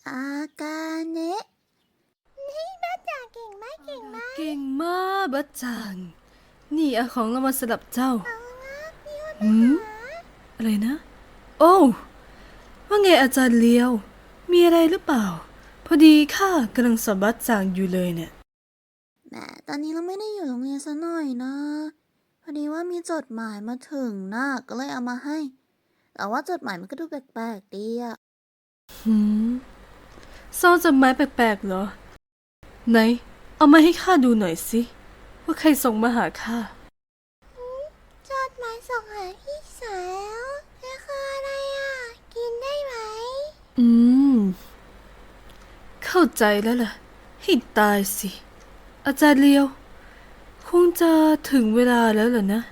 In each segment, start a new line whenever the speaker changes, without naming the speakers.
อากาเนะนี่บ้าจ่าเก่งมากเก่งมาก
เก่งมากบัจจังนี่เอาของเรามาสลับเจ้าหืมอะไรนะ โอ้ว่าไงอาจารย์เลียว มีอะไรหรือเปล่า พอดีข้ากำลังสอบบัจจังอยู่เลยเนี่ย
แหมตอนนี้เราไม่ได้อยู่โรงเรียนซะหน่อยนะ พอดีว่ามีจดหมายมาถึงนะก็เลยเอามาให้ แต่ว่าจดหมายมันก็ดูแปลกๆดีอะ
หืมซองจดหมายแปลกๆเหรอ ไหน เอามาให้ข้าดูหน่อยสิ ว่าใครส่งมาหาข้า
จดหมายส่งหาพี่สาวนี่คืออะไรอ่ะ กินได้ไหม
อืม เข้าใจแล้วล่ะ ให้ตายสิ อาจารย์เลียว คงจะถึงเวลาแล้วเหรอนะ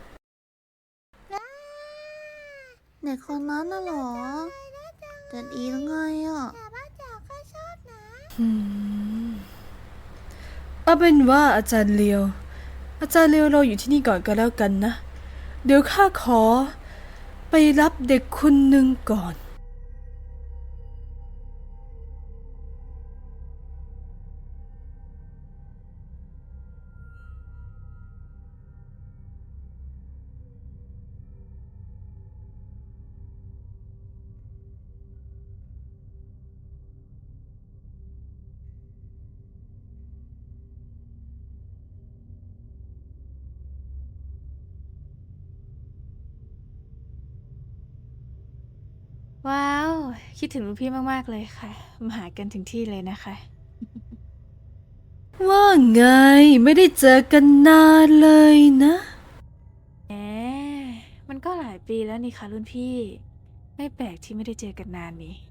เด็กคนนั้นน่ะเหรอจะดีหรือไงอ่ะบ้าจ๋าก็ชอบนะ
เอาเป็นว่าอาจารย์เลียวรออยู่ที่นี่ก่อนก็แล้วกันนะ เดี๋ยวข้าขอไปรับเด็กคนหนึ่งก่อน
ว้าว คิดถึงรุ่นพี่มากๆเลยค่ะ มาหากันถึงที่เลยนะคะ
ว่าไงไม่ได้เจอกันนานเลยนะ
แหม มันก็หลายปีแล้วนี่ค่ะรุ่นพี่ ไม่แปลกที่ไม่ได้เจอกันนานนี้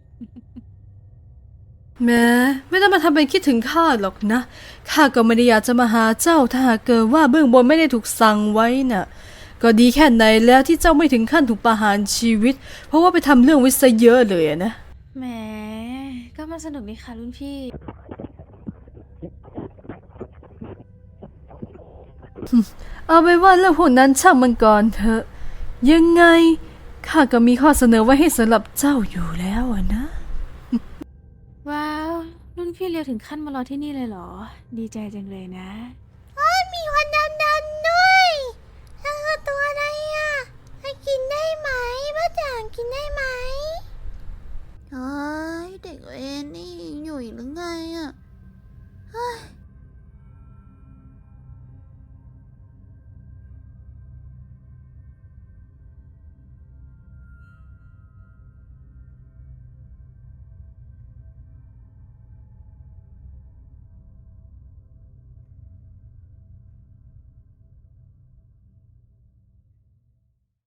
แม้ไม่ต้องมาทำเป็นคิดถึงข้าหรอกนะ ข้าก็ไม่ได้อยากจะมาหาเจ้าถ้าหากเกิดว่าเบื้องบนไม่ได้ถูกสั่งไว้น่ะ ก็ดีแค่ไหนแล้วที่เจ้าไม่ถึงขั้นถูกประหารชีวิต เพราะว่าไปทำเรื่องไว้ซะเยอะเลยอะนะ
แหม ก็มาสนุกนี่ค่ะรุ่นพี่
เอาไปว่าเรื่องพวกนั้นช่างมันก่อนเถอะ ยังไงข้าก็มีข้อเสนอไว้ให้สำหรับเจ้าอยู่แล้วอะนะ
ว้าว รุ่นพี่เร็วถึงขั้นมารอที่นี่เลยเหรอ ดีใจจังเลยนะ